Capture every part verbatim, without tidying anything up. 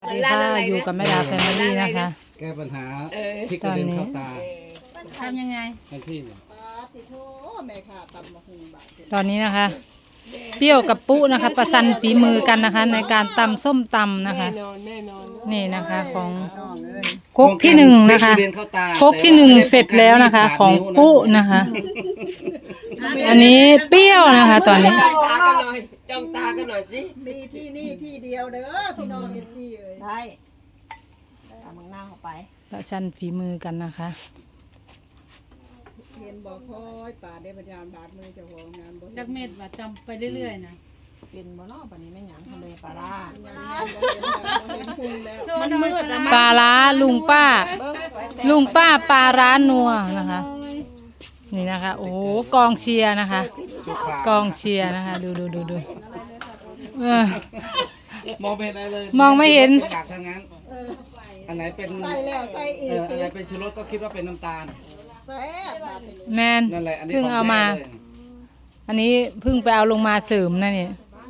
ดีค่ะอยู่กับแม่ดาแฟมิลี่นะคะแก้ปัญหาที่กระเด็นเข้าตาทำยังไงทันทีเนี่ยตอนนี้นะคะ เปรี้ยวกับปุ๊นะคะ ประสันฝีมือกันนะคะ ในการตำส้มตำนะคะ นี่นะคะของครกที่หนึ่งนะคะครกที่หนึ่งเสร็จแล้วนะคะ ของปุ๊นะคะ อันนี้เปรี้ยวนะคะ ตอนนี้จ้องตากันหน่อยจ้องตากันหน่อยสิมีที่นี่ที่เดียวเด้อพี่น้องเอฟซีเอ้ยได้เอามึงหน้าเข้าไปประชันฝีมือกันนะคะเรียนบอกคอยป่าได้พยายามบาดมือเจ้าของงานบ่จักเม็ดว่าจำไปเรื่อยๆนะเป็นบ่เนาะป่านนี้ไม่หยังทะเลปลาร้ายังบ่เห็นหุ่นแล้วมันมืดแล้วปลาร้าลุงป้า ลุงป้าปลาร้านัวนะคะ นี่นะคะ โอ้โหกองเชียร์นะคะ กองเชียร์นะคะ ดูดูดูดูเออมองไม่เห็นอะไรเลยมองไม่เห็นอยากทางนั้นอันไหนเป็นใส่แล้วใส่อีเอก ออันไหนเป็นชูรสก็คิดว่าเป็นน้ำตาลแซ่บบาดนี้แมนนั่นแหละอันนี้เพิ่งเอามาขงแท้ลยอันนี้เพิ่งไปเอาลงมาเสริมนะเนี่ย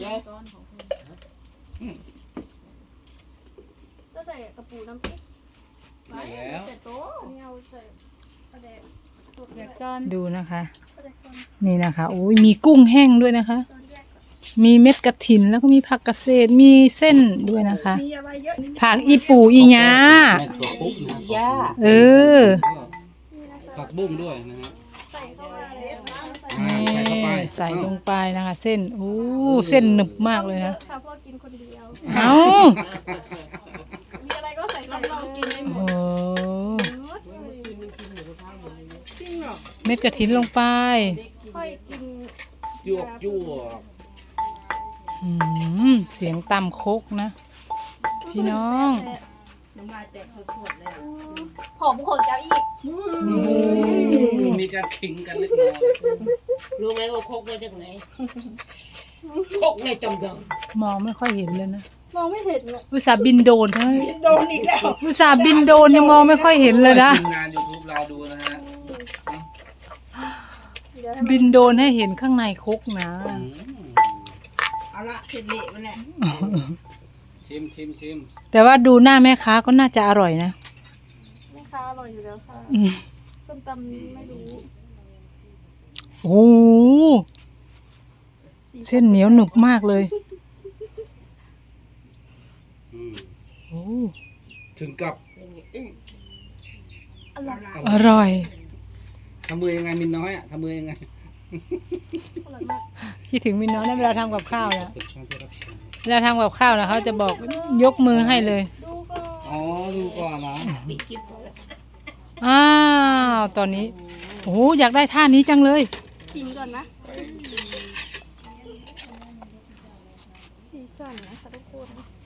ก็ใส่กระปูน้ำพริกแล้วนี่เอาใส่กระเดกสดเดี๋เลยวย ก่อนดูนะคะกระเดกคนนี่นะคะโอ้ยมีกุ้งแห้งด้วยนะคะตอนแยกก่อนมีเม็ดกระถินแล้วก็มีผักกระเศษมีเส้นด้วยนะคะมีอะไรเยอะผักอีปูอีหยาแม่ถั่วปุ๊บนะย่าเออนี่นะคะผักบุ้งด้วยนะฮะใส่เข้ามาเลยใส่อ่านี่ใส่เข้าไปใส่ลงไปนะคะ เส้นโอ้เส้นหนึบมากเลยนะค่ะเพราะกินคนเดียวเอามีอะไรก็ใส่ใส่เลยโอ้โหเม็ดกระถินลงไปค่อยกินยั่วยั่วอืมเสียงตำโคกนะ พี่น้องน้ำลายแตกสดๆเลยหอมขนเจ้าอีกมีการขิงกันเล็กน้อยรู้ไหมว่าโคกมาจากไหนโคกในจำดองมองไม่ค่อยเห็นเลยนะมองไม่เห็นเลยอุตส่าห์บินโดรนใช่ไหมโดนอีกแล้วอุตส่าห์บินโดรนยังมองไม่ค่อยเห็นเลยนะทีมงาน ยูทูบ เราดูนะฮะเดี๋ยวให้บินโดรนให้เห็นข้างในคกนะอืมเอาละเสร็จเละมันแหละชิมชิมชิมแต่ว่าดูหน้าแม่ค้าก็น่าจะอร่อยนะแม่ค้าอร่อยอยู่แล้วค่ะอืมส้มตำไม่รู้โอ้โหเส้นเหนียวหนึบมากเลยอืมโอ้ถึงกับอร่อยอร่อยทำมือยังไงมินน้อยอ่ะทำมือยังไงอร่อยมากคิดถึงมินน้อยนะเวลาทำกับข้าวนะเปิดช่องเพื่อรับชมเวลาทำกับข้าวนะเขาจะบอกยกมือให้เลยดูก็อ๋อดูก่อนนะอ้าวตอนนี้โอ้โหอยากได้ท่านี้จังเลยชิมก่อนนะสีสันนะคะทุกคน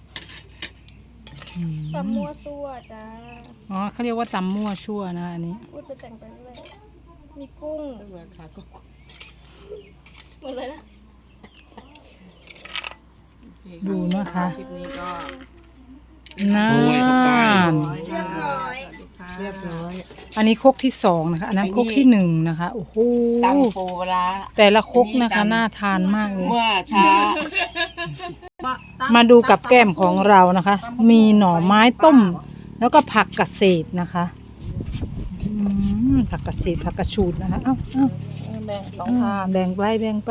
ตำมั่วซั่วจ้าอ๋อเขาเรียกว่าตำมั่วชั่วนะอันนี้พูดไปแต่งไปเรื่อยมีกุ้งเหมือนเลยนะดูนะคะคลิปนี้ก็น่าโอ้ยเข้าไปเรียบร้อยเรียบร้อยอันนี้ครกที่สองนะคะ อันนั้นครกที่หนึ่งนะคะโอ้โหตำปูปลาแต่ละครกนะคะน่าทานมากเลยเมื่อช้ามาดูกับแก้มของเรานะคะ มีหน่อไม้ต้ม แล้วก็ผักกระเศษนะคะอืมผักกระเศษผักกระชูดนะคะเอ้าเอ้าแบ่งสองอ่าทางแบ่งไปแบ่งไป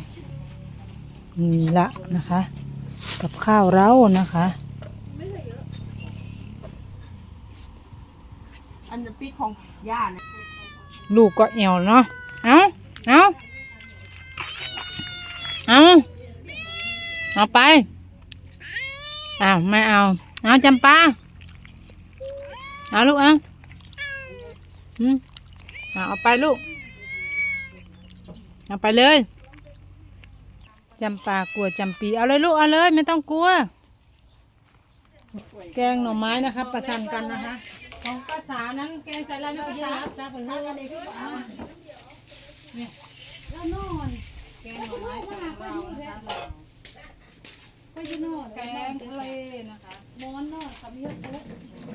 นี่ละนะคะ กับข้าวเรานะคะอันนี้ปีของย่าเนี่ยลูกก็เอวเนาะเอาเอาเอาเอาไปอ้าวไม่เอาเอาจำปาเอาลูกเอาอืมเอาเอาไปลูกเอาไปเลยจำปากลัวจำปีเอาเลยลูกเอาเลยไม่ต้องกลัว แกงหน่อไม้นะคะประชันกันนะคะของภาษานั้นแกงใส่อะไรไม่เยอะจ้าไปเลยเนี่ยแล้วนอนแกงหน่อไม้ของเรานะคะไปยืนนอนแกงทะเลนะคะมอนนอนกับเยอะปุ๊บ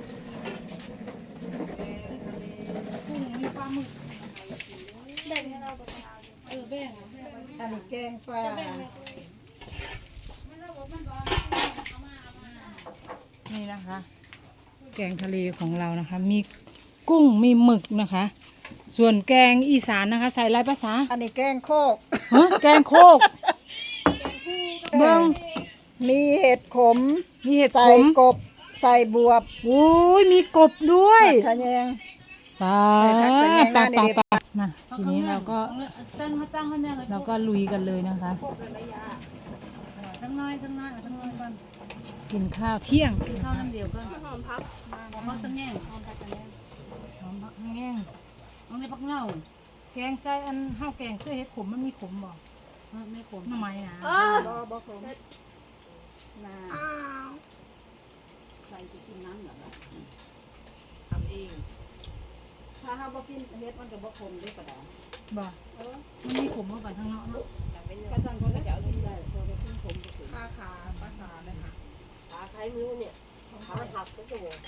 แกงทะเลกุ้งมีปลาหมึกแบ่งให้เราก่อนเออแบ่งอันนี้แกงปลานี่นะคะ แกงทะเลของเรานะคะ มีกุ้งมีหมึกนะคะ ส่วนแกงอีสานนะคะ ใส่อะไรภาษาอันนี้แกงโคกฮะแกงโคกเบิ้งมีเห็ดขมมีเห็ดใส่ขมกบ ใส่บวบโอ้ยมีกบด้วยทะแยงปาใส่ผักใส่แยงปาหน้าปาดีๆปามาทีนี้เราก็ตั้งมาตั้งข้างหน้าเลยเราก็ลุยกันเลยนะคะทั้งน้อยทั้งน้อยเอาทั้งน้อยก่อนกินข้าวเที่ยงกินข้าวน้ำเดียวก่อนหอมพับเอาพักสังแง่งหอมผักแห้งเอาในพักเน่าแกงใส่อันข้าวแกงเสื้อเห็ดขมมันมีขมบ่ไม่ขมหน่อไม้นะเออบ่บ่ขมนาอ้าวใส่จะกินน้ำเหรอทำเองถ้าเฮาบ่กินเห็ดมันก็บ่ขมเด้ปะดาบ่มันมีขมเข้าไปข้างนอกเนาะกระจังคนก็จะเอากินได้พอได้กินขมก็คือค่าขาภาษาเลยค่ะขาใช้มือเนี่ยขาหักก็จะบอก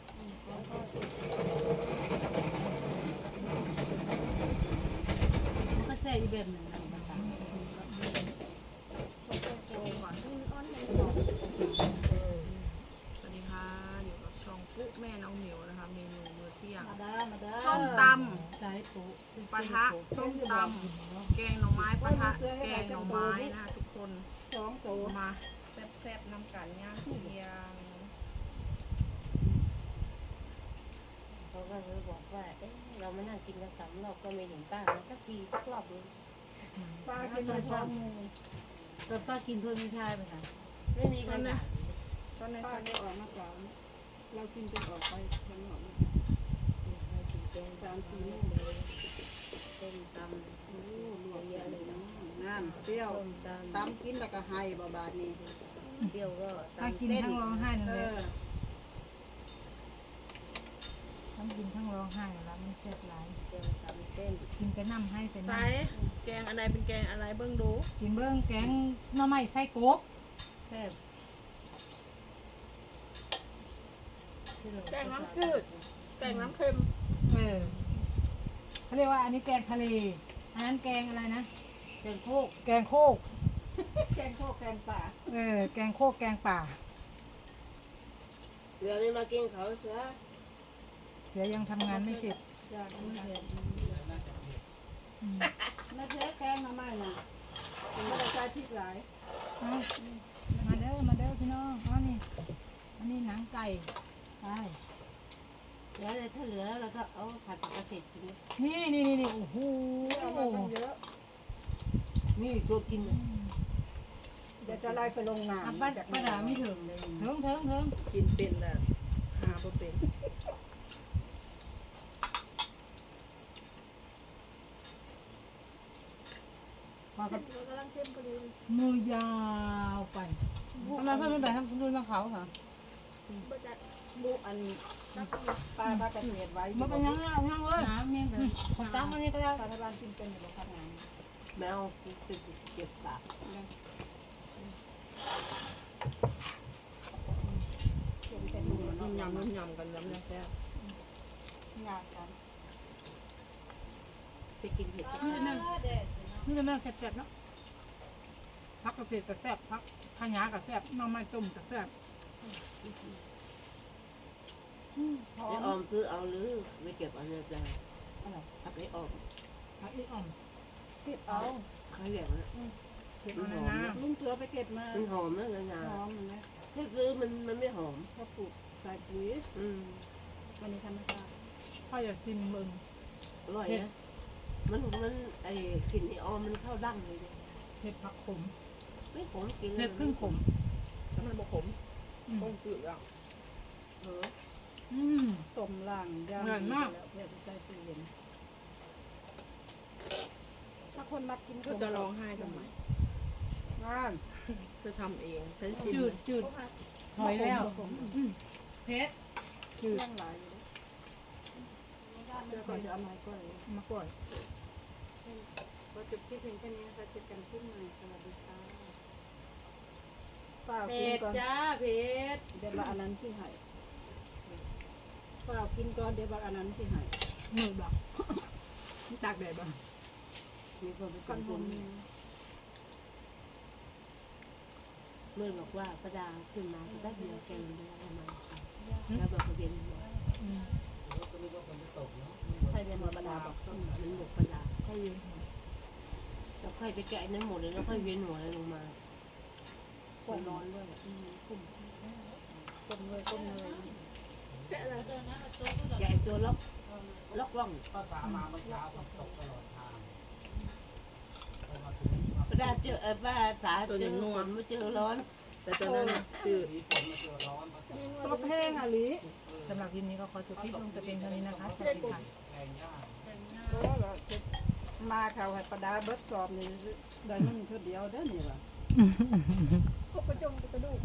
มันก็แซ่อีกแบบหนึ่งนะภาษาสวัสดีค่ะอยู่กับช่องปุ๊แม่น้องหมิวนะคะเมนูมื้อเที่ยงมาเด้อมาเด้อส้มตใส่ปุ๊ำปะทะส้มตำแกงหน่อไม้ปะทะแกงหน่อไม้นะคะทุกคนสองโตมาแซ่บๆน้ำกันย่างเที่ยงเขาก็เลยบอกว่าเอ๊ะเราไม่นั่งกินกันสามรอบก็ไม่เห็นป้านะสักทีสักรอบนึงป้ากินข้าวหมูแต่ป้ากินเพิ่มไม่ใช่ไหมคะไม่มีใครด่าตอนนี้ป้าได้ออกมาก่อนเรากินจนออกไปทั้งหมดสามสี่โมงเลยต้มตโอ้ลวกเยอะเลยนะนั่นเปรี้ยวำต้มตตำกินแล้วก็ให้บาบาดนี้ำเปรี้ยวก็ถ้าตำกินเส้นทั้งร้องไห้นั่นเอเลยอทั้งกินทั้งร้องไห้แล้วมันแซ่บหลายเปรี้ยวตำเส้นกินไปน้ำให้ไปใส่น้ำแกงอะไรเป็นแกงอะไรเบิ่งดูกินเบิ้งแกงหน่อไม้ไส้กบแซ่บแกงน้ำจืดแกงน้ำเค็มเออเขาเรียกว่าอันนี้แกงทะเลอันนั้นแกงอะไรนะแกงโคกแกงโคกแกงโคกแกงป่าเออแกงโคกแกงป่าเสือไม่มากินเขาเสือเสือยังทำงานไม่เสร็จอยากกินเห็ดน่าเจ๊แกงมาใหม่น่ะไม่ได้ใช้พริกหลายเอามาเด้อมาเด้อพี่น้องอ๋อนี่อันนี้หนังไก่ไปเหลือเลยถ้าเหลือแล้วเราก็เอาผัดกับเกษตรกินนี่นี่นี่นี่โอ้โหเอามาตั้งเยอะมีตัวกินเลยเดี๋ยวจะไล่ไปลงน้ำอ่ะป้าป้าดาไม่ถึงเลยเถิงเถิงเถิงกินเป็นน่ะหาบ่เป็นมากับกำลังเค็มพอดีมือยาวไปทำไมเพื่อนไม่ไปทำดูน้องเขาค่ะบ่จัดบุอันปลาปลากระเทียมไว้มาเป็นยังไงยังเลยน้ำเนี่ยแบบของจ้างมันนี่ก็ได้รัฐบาลกินเป็นอยู่ครับงานแมวติดเจ็บปากกินเป็นอยู่นุ่มยำนุ่มยำกันแล้วแซ่บงานกันไปกินเห็ดนี่นั่นนี่นั่นแซ่บๆเนาะพักเกษตรก็แซ่บพักขยาก็แซ่บหน้ำไม้ต้มก็แซ่บไอ้ออมซื้อเอาหรือไม่เก็บเอาเนี่ยจ้ะเอาไปออมพักอีอ่อมเก็บเอาเขาอย่างนั้นเก็บเอาในน้ลุงเสือไปเก็บมามันหอมนะเงาหอมนะซื้อมันมันไม่หอมเขาปลูกใส่ปุ๋ยอืมวันนี้ธรรมชาติำพ่ออย่าซิมมึงอร่อยนะมันมันไอ้กลิ่นไอ้ออมมันเข้าดั้งเลยเนี่ยเผ็ดผักขมไม่ขมกินเผ็ดครึ่งขมถ้ามันบ่ขมอืมคงจืดอ่ะเอออืมสมหลังย่างอร่อยมากแล้วเพื่อใส่ตู้เย็นถ้าคนมักกินก็จะร้องไห้ทำไมงานจะทำเองใช้ชิมจืดจืดหอยแล้วอืมเพชรจืดเรื่องหลายอยู่เดี๋ยวก่อนจะเอาไม้ก่อนมาก่อนก็จบที่เพียงแค่นี้นะคะเจอกันที่ใหม่สวัสดีค่ะเปล่าเพกินชรก่อนจ้าเพชรเดี๋ยวว่าอันนั้นที่ให้เปล่ากินก่อนเดี๋ยวว่าอันนั้นที่ให้มือบักจากแดดบ้างมีคนไปกันทำผบุมญเมื่อบอกว่าประดาขึ้นมาแป๊บเดียวแกงได้ประมาณแล้วบอกว่าเวียนหัวใครเป็นหัวประดาบอกมันบอกประดาค่อยเวียนหัวแล้วค่อยไปแกะนั้นหมดเลยแล้วค่อยเวียนหัวลงมาคนร้อนด้วยคุ้มคนเลยคนเลยแกะตัวล็อกล็อกล่องภาษามาเมื่อเช้าฝนตกตลอดทางพอมาถึงประดาเจอเออป้าสาเจอฝนไม่เจอร้อนแต่ตอนนั้นน่ะคือมีฝนมาเจอร้อนภาษาตัวแพงอ่ะลิสำหรับคลิปนี้ก็ขอจบคลิปลงแต่เพียงเท่านี้นะคะสวัสดีค่ะแรงยากเพราะว่าจะมาเขาให้ประดาเบิดสอบนี่ได้มันเท่าเดียวได้อนี่ล่ะก็ประจงกระดูก